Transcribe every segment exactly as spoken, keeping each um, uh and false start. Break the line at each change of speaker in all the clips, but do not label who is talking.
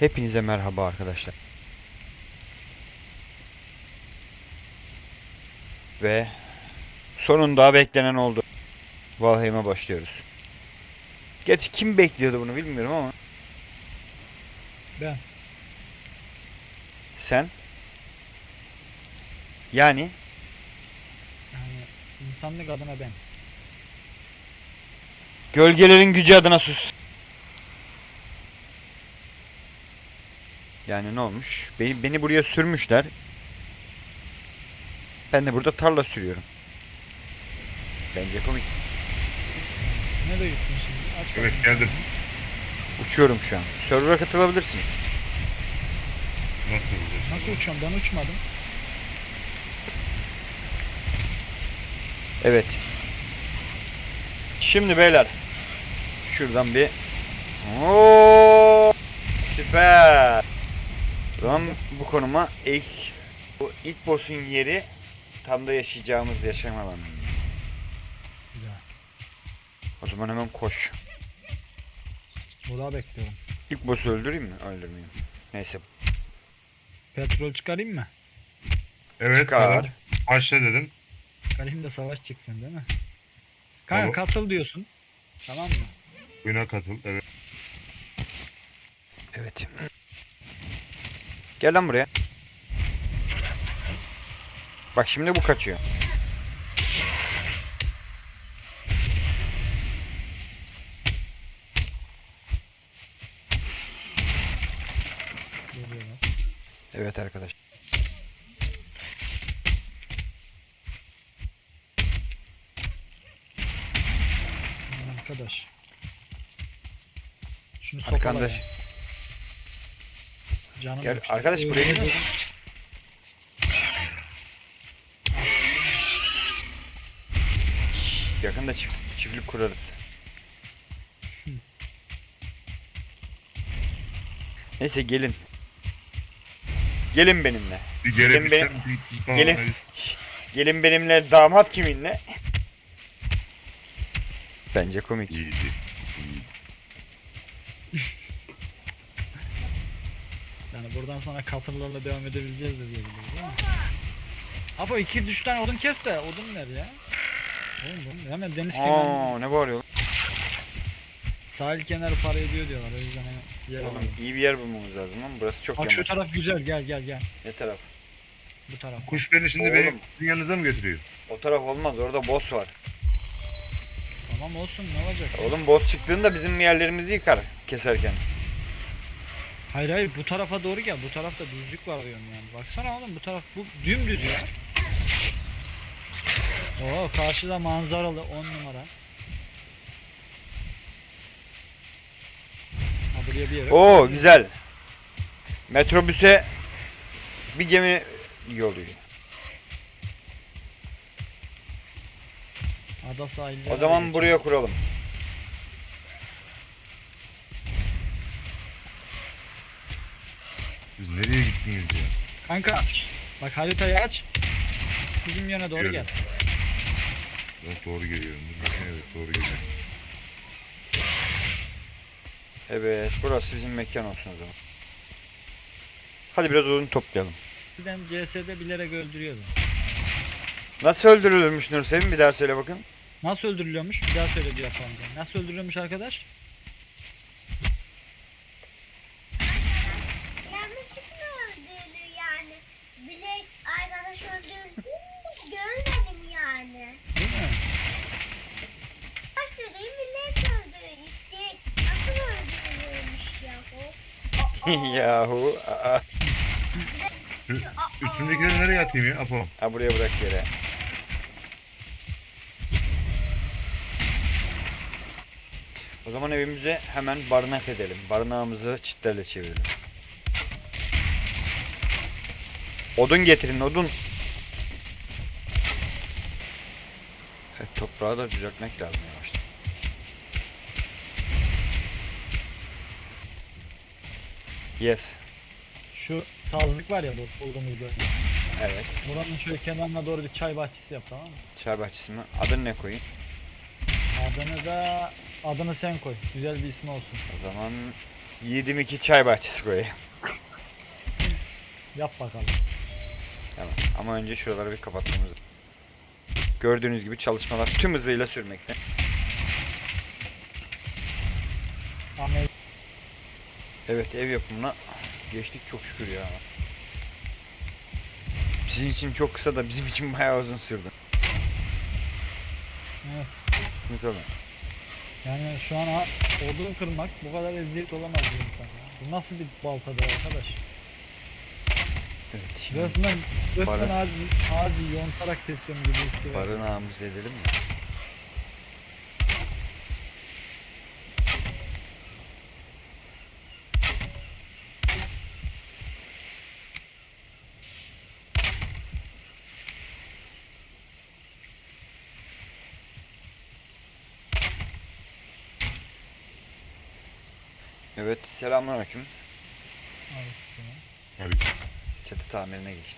Hepinize merhaba arkadaşlar. Ve sonunda beklenen oldu. Valheim'e başlıyoruz. Gerçi kim bekliyordu bunu bilmiyorum ama.
Ben.
Sen? Yani?
Yani insanlık adına ben.
Gölgelerin gücü adına sus. Yani ne olmuş? Beni, beni buraya sürmüşler. Ben de burada tarla sürüyorum. Bence komik.
Nereye gittin şimdi? Aç
Evet,
bakayım.
geldim.
Uçuyorum şu an. Server'a katılabilirsiniz.
Nasıl olacak?
Nasıl uçuyorum? Ben uçmadım.
Evet. Şimdi beyler. Şuradan bir. Oo! Süper. O zaman bu konuma ilk bu ilk boss'un yeri tam da yaşayacağımız yaşam alanı.
Güzel.
O zaman hemen koş.
Burada bekliyorum.
İlk boss'u öldüreyim mi? Öldürmeyeyim. Neyse.
Petrol çıkarayım mı?
Evet,
Çıkar.
tamam. Başla dedim.
Çıkarayım da savaş çıksın değil mi? Kanka
Tamam.
katıl diyorsun. Tamam mı?
Oyuna katıl. Evet.
Evet. Gel lan buraya. Bak şimdi bu kaçıyor.
Geliyorlar.
Evet arkadaş.
Arkadaş. Şunu sokala
Arkadaş.
ya. Canım
Gel
yok.
arkadaş buraya
Öyle
gel.
dedim.
Yakında çift, çiftlik kurarız. Neyse gelin. Gelin benimle.
Bir
Gelin
gelebilsem
benim-
bir bir-
Gelin.
Tamam,
Şş, gelin benimle, damat kiminle? Bence komik.
İyiydi.
Yani buradan sonra katırlarla devam edebileceğiz de diyebiliriz ama. Apo iki üç tane odun kes de odun ver ya. Oğlum bu hemen deniz kenarı,
Aa ne bağırıyor?
sahil kenarı para ediyor diyorlar, o yüzden hemen yer
Oğlum
alalım.
iyi bir yer bulmamız lazım ama burası çok
Bak şu
yamaç.
taraf güzel, gel gel gel.
Ne taraf?
Bu taraf.
Kuş beni şimdi
Oğlum.
benim sizin yanınıza mı götürüyor?
O taraf olmaz, orada boss var.
Tamam olsun, ne olacak?
Oğlum boss çıktığında bizim yerlerimizi yıkar keserken.
Hayır hayır, bu tarafa doğru gel, bu tarafta düzlük var diyorum yani. Baksana oğlum, bu taraf bu dümdüz ya. Oo, karşıda manzaralı on numara. Ha, buraya bir yere.
Oo güzel. Metrobüse bir gemi yolluyor.
Ada sahilleri.
O zaman buraya kuralım.
Siz nereye gittiniz ya?
Kanka bak, haritayı aç. Bizim yöne doğru
Gördüm.
gel.
Evet, doğru geliyorum. Evet, doğru geliyorum.
Evet burası bizim mekan olsun o zaman. Hadi biraz odun toplayalım.
Bizden C S'de bilerek öldürüyordu.
Nasıl öldürülürmüş Nursevim, bir daha söyle bakın.
Nasıl öldürülüyormuş? Bir daha söyle diyor yapalım. Nasıl öldürülüyormuş arkadaş?
Yanlışlıkla öldürülür yani. Bilek arkadaş öldürdü. Görmedim yani.
Değil mi?
Baş dediğim bilek öldürür. İsteyek nasıl öldürülürmüş ya o?
Yahu. Aa.
Şu üstümdekileri nereye atayım ya? Apo.
Ha buraya bırak yere. O zaman evimize hemen barınak edelim. Barınağımızı çitlerle çevirelim. Odun getirin, odun. Evet, toprağı da düzeltmek lazım yavaştan. Yes.
Şu sazlık var ya, bu bulduğumuz bölge.
Evet.
Buranın şöyle kenarına doğru bir çay bahçesi yap, tamam mı?
Çay bahçesi mi? Adını ne koyayım?
Adını da adını sen koy. Güzel bir ismi olsun.
O zaman Yedim iki çay bahçesi koyayım.
Yap bakalım.
Tamam. Ama önce şuraları bir kapatmamız lazım. Gördüğünüz gibi çalışmalar tüm hızıyla sürmekte.
Ahmet
Evet, ev yapımına geçtik çok şükür ya. Sizin için çok kısa da bizim için bayağı uzun sürdü.
evet.
Evet oğlum.
Yani şu an ha- odun kırmak bu kadar eziyet olamaz bir insan ya. Bu nasıl bir baltadır arkadaş?
Evet, şimdi
Resmen, resmen
Para-
ağacı, ağacı yontarak kesiyorum gibi hissi var.
barınağımızı edelim mi? Evet, selamünaleyküm.
Evet, tamam.
Hadi.
Çatı tamirine geçtik.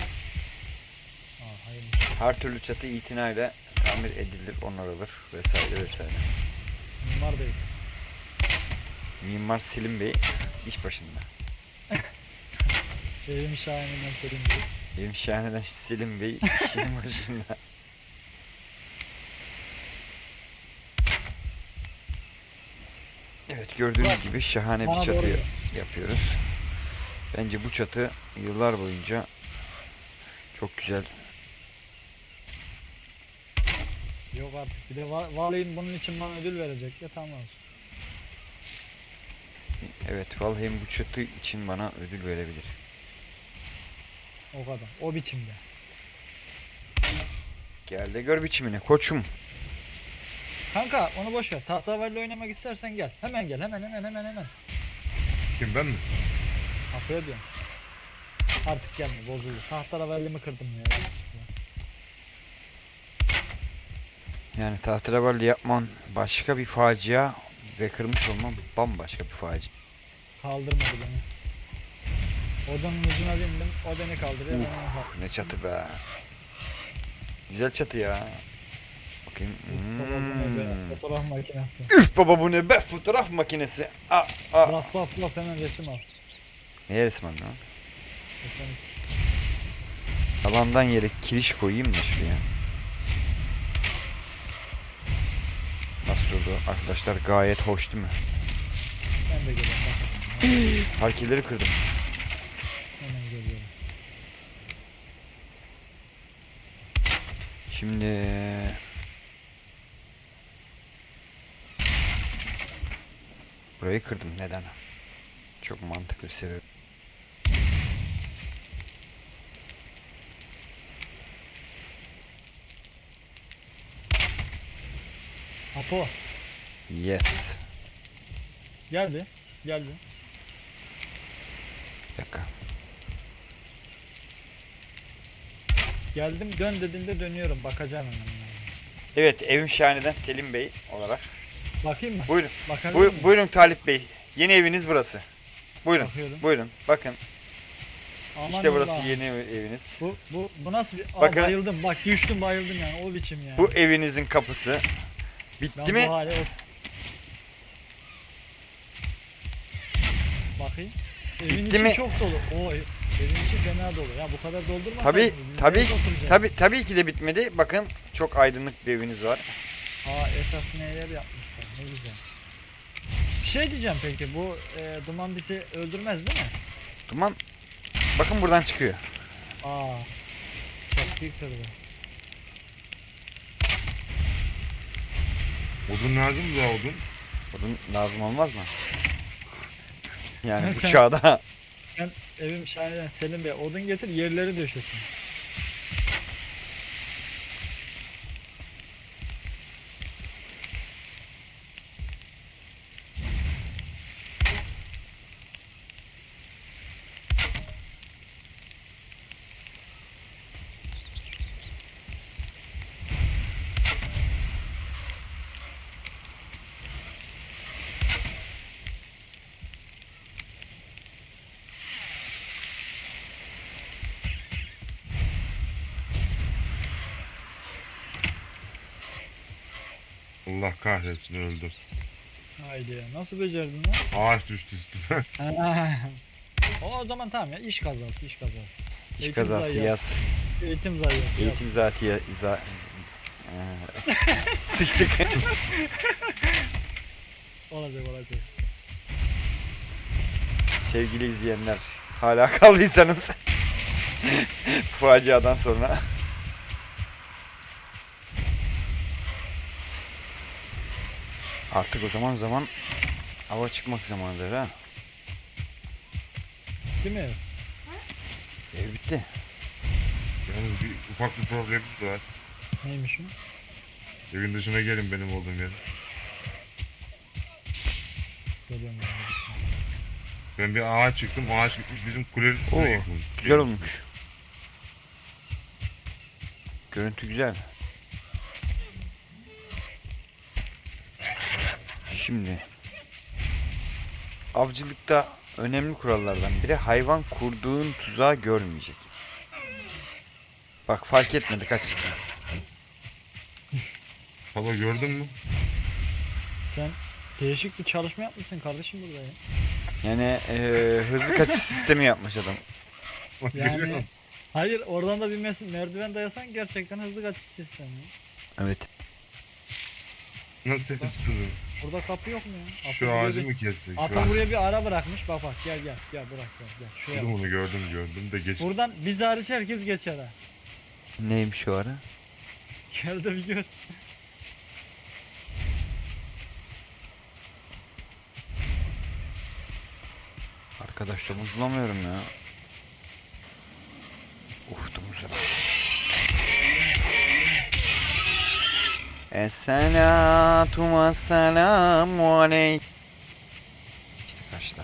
Aa, hayırlı.
Her türlü çatı itinayla tamir edilir, onarılır vesaire vesaire.
Mimar Bey.
Mimar Selim Bey iş başında.
Evim şahininden Selim Bey.
Benim şahaneden Selim Bey işin başında. Evet, gördüğünüz
Bak,
gibi şahane
bana
bir
doğru
çatı
gel.
yapıyoruz. Bence bu çatı yıllar boyunca çok güzel.
Yok artık bir de va- valinin bunun için bana ödül verecek ya tamam olsun.
Evet, vallahi bu çatı için bana ödül verebilir.
O kadar. O biçimde.
Gel de gör biçimini koçum.
Kanka onu boş ver. Tahtavalli oynamak istersen gel. Hemen gel. Hemen hemen hemen hemen.
Kim ben mi?
Apo'ya diyorum. Artık gelme bozuldu. Tahtavalli'mi kırdım ya. yanlışlıkla.
Yani tahterevalli yapman başka bir facia ve kırmış olman bambaşka bir facia.
Kaldırmadı beni. Odanın ucuna bindim. O beni kaldırıyor. Ben onu kaldırıyorum.
Ne çatı be. Güzel çatı ya. Bakayım.
Biz babamın eve
Hmm.
fotoğraf makinesi.
Üf baba bu ne be, fotoğraf makinesi. Aa, aa.
Bas bas bas hemen resim al.
Neye resmen lan?
Efendim.
Alandan yere kiriş koyayım da şuraya. Nasıl oldu arkadaşlar, gayet hoş değil mi?
Ben de geliyorum. Bak.
Parkeleri kırdım.
Hemen geliyorum.
Şimdi burayı kırdım, neden? Çok mantıklı bir sebep.
Apo.
Yes.
Gel bir. Gel bir.
Bir dakika.
Geldim dön dediğinde dönüyorum. Bakacağım hemen.
Evet, evim şahaneden Selim Bey olarak.
Bakayım mı?
Buyurun.
Bakabilir
Buyur,
miyim?
buyurun Talip Bey. Yeni eviniz burası. Buyurun.
Bakıyorum.
Buyurun. Bakın.
Aman
İşte burası
Allah.
yeni ev- eviniz.
Bu, bu, bu nasıl bir... Aa,
Bakın.
bayıldım. Bak düştüm bayıldım yani. O biçim yani.
Bu evinizin kapısı. Bitti
ben
mi?
bu hale... Bakayım. Evin
Bitti
içi
mi?
çok dolu. O ev- evin içi fena dolu. Ya bu kadar doldurmasaydın.
Tabii,
biz
tabii,
nerede oturacağız?
tabii, tabii ki de bitmedi. Bakın çok aydınlık bir eviniz var.
Aa esas neler yapmışlar. Ne güzel. Bir şey diyeceğim peki. Bu e, duman bizi öldürmez değil mi?
Duman. Bakın buradan çıkıyor.
Aa. Çaktıyı kırdı.
Odun lazım mı daha odun?
Odun lazım olmaz mı? Yani bu
Sen-
çağda.
Ben evim şahane Selim Bey odun getir yerleri döşesin.
Allah kahretsin öldüm.
Haydi ya. Nasıl becerdin lan?
Ağaç düştü üstüne.
Ha. O, o zaman tamam ya. İş kazası, iş kazası.
İş
Eğitim
kazası
zayiatı.
yaz.
Eğitim zayiatı. yaz.
Eğitim zaten ya, za, Ee, sıçtık.
Olacak olacak.
Sevgili izleyenler, hala kaldıysanız faciadan sonra artık o zaman zaman hava çıkmak zamanıdır ha.
Değil mi?
Ev bitti.
Yalnız bir ufak bir problemimiz var.
Neymiş o?
Evin dışına gelin benim olduğum yere.
Geliyorum ben de bir saniye.
Ben bir ağaç çıktım. Ağaç gitmiş bizim kulenin üstüne
Oo,
yıkılmış.
güzel olmuş. Görüntü güzel. Şimdi avcılıkta önemli kurallardan biri hayvan kurduğun tuzağı görmeyecek. Bak fark etmedi kaç işte.
Hala gördün mü?
Sen değişik bir çalışma yapmışsın kardeşim burada ya.
Yani eee, hızlı kaçış sistemi yapmış adam.
Görüyor
Yani
musun?
hayır oradan da bir mes- merdiven dayasan gerçekten hızlı kaçış sistemi.
Evet.
Nasıl yapıştırdın?
Burada kapı yok mu ya?
Şu
Apo buraya
ağacı
bir-
mı kessek? Şu
Apo
ağacı.
buraya bir ara bırakmış. Bak bak gel gel gel bırak gel gel. Şuraya
Gördüm
bak.
onu gördüm gördüm de geç.
Buradan biz hariç herkes geçer ha.
Neymiş o ara?
Gel de bir gör.
Arkadaş domuz bulamıyorum ya. Uf domuzlar. Esselatu vesselamu aleyk. İşte kaçta.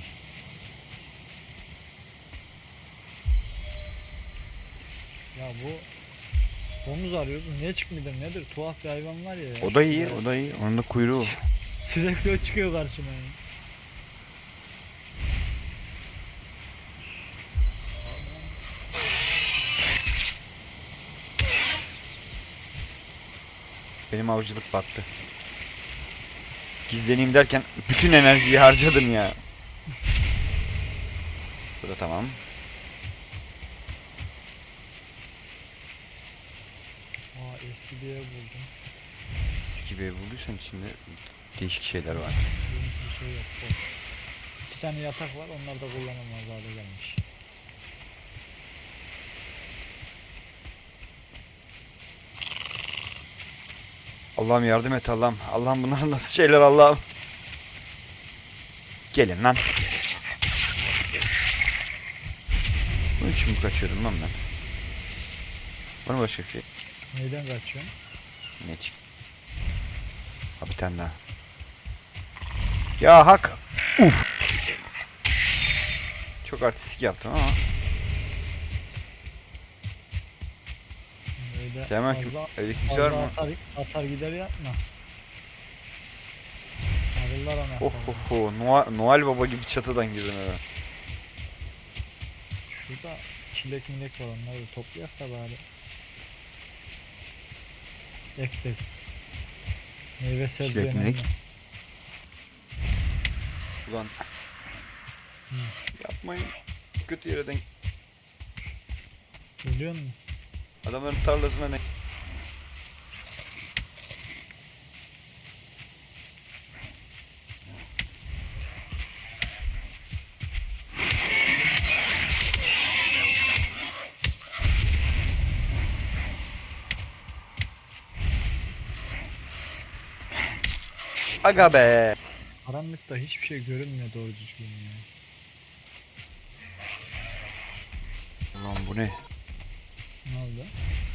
Ya bu domuz arıyoruz. Niye çıkmıyor nedir? Tuhaf bir hayvan var ya. ya.
O da iyi, o da iyi. Onun da kuyruğu.
Sürekli o çıkıyor karşıma ya.
Benim avcılık battı. Gizleneyim derken bütün enerjiyi harcadım ya. Bu da tamam.
Aa eski bir ev buldum.
Eski bir ev bulduysan içinde değişik şeyler var.
Yeni bir şey yok. Boş. İki tane yatak var. Onlar da kullanılmaz hale gelmiş.
Allah'ım yardım et Allah'ım. Allah'ım bunlar nasıl şeyler Allah'ım. Gelin lan. Bunun için mi kaçıyordum lan ben? Var mı başka bir şey?
Neyden kaçıyorsun?
Ne çık? Ha bir tane daha. Ya hak. Uf. Çok artistik yaptım ama.
Öyle
Selamünaleyküm.
fazla,
Öyle kimse var
fazla
mı?
atar, atar gider yapma. Arılar anahtarı.
Oh oh oh. Noel, Noel Baba gibi çatıdan girdin eve.
Şurada çilek milek var, onları da toplayak da bari. Ekbez. Meyve sebze
Çilek
önemli.
milek. Ulan. Yapmayın. Kötü yere denk.
Biliyor musun?
Adamların tarlasına ne? Aga be.
Karanlıkta hiçbir şey görünmüyor doğru düzgün ya.
Ulan bu ne?
Ne oldu?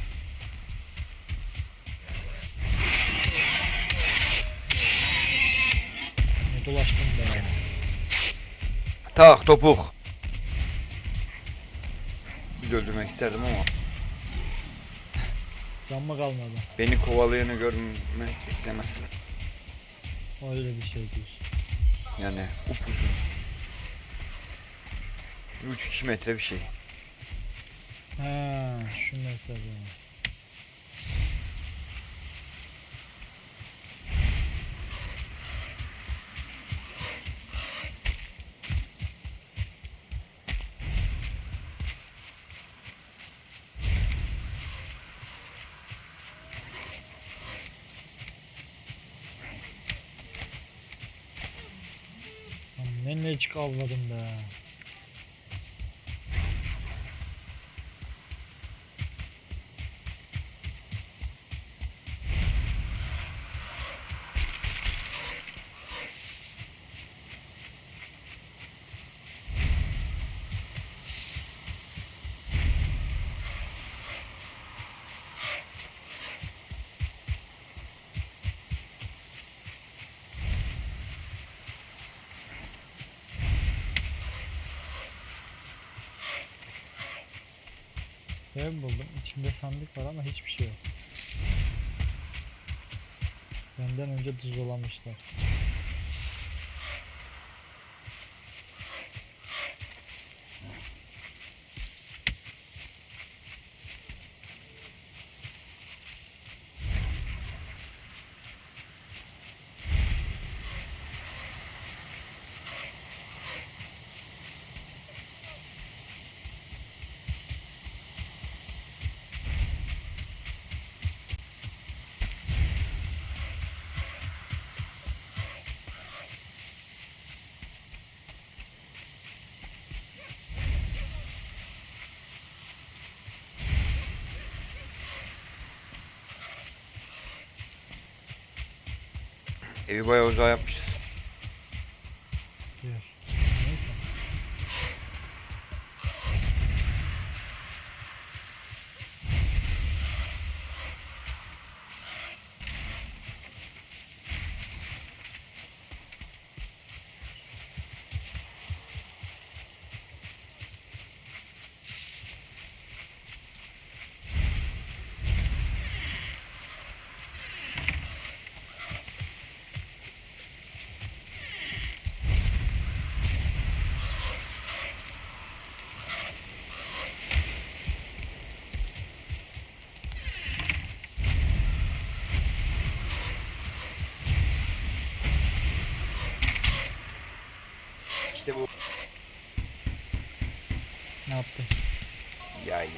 Ne dolaştın be ya.
Tak topuk. Bir de öldürmek isterdim ama
Can mı kalmadı?
beni kovalayanı görmek istemezsin.
Öyle bir şey diyorsun.
Yani upuzun. üç iki metre bir şey.
Ha, şu mesele. Ne ne çık avladım be. Ev buldum. İçinde sandık var ama hiçbir şey yok. Benden önce tuzolamışlar.
Evi bayağı uzağa yapmışız.
Bir. Neyse.
İşte bu.
Ne yaptı?
Yay.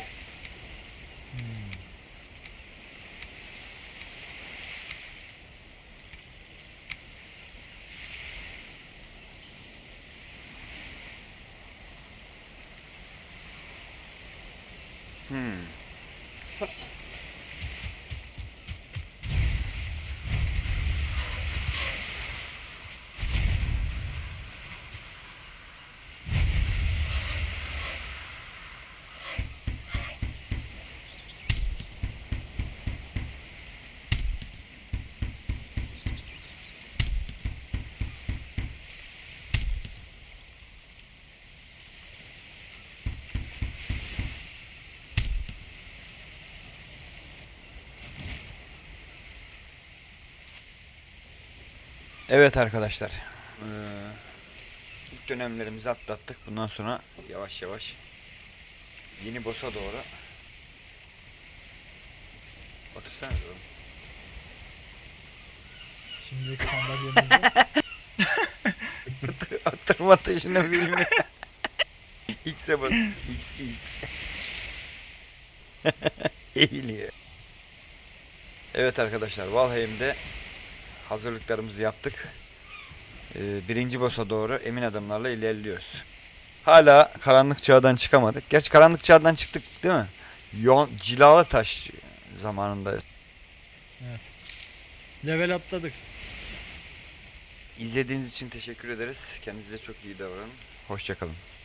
Hmm. Evet arkadaşlar. Ee, ilk dönemlerimizi atlattık. Bundan sonra yavaş yavaş yeni boss'a doğru. Otursana oğlum.
Şimdilik sandalyemiz yok.
Oturma tuşunu bilmiyorum. X'e bak. X, X. Eğiliyor. Evet arkadaşlar, Valheim'de hazırlıklarımızı yaptık. Ee, birinci boss'a doğru emin adımlarla ilerliyoruz. Hala karanlık çağdan çıkamadık. Gerçi karanlık çağdan çıktık değil mi? Yon, cilalı taş zamanında.
Evet. Level atladık.
İzlediğiniz için teşekkür ederiz. Kendinize çok iyi davranın. Hoşça kalın.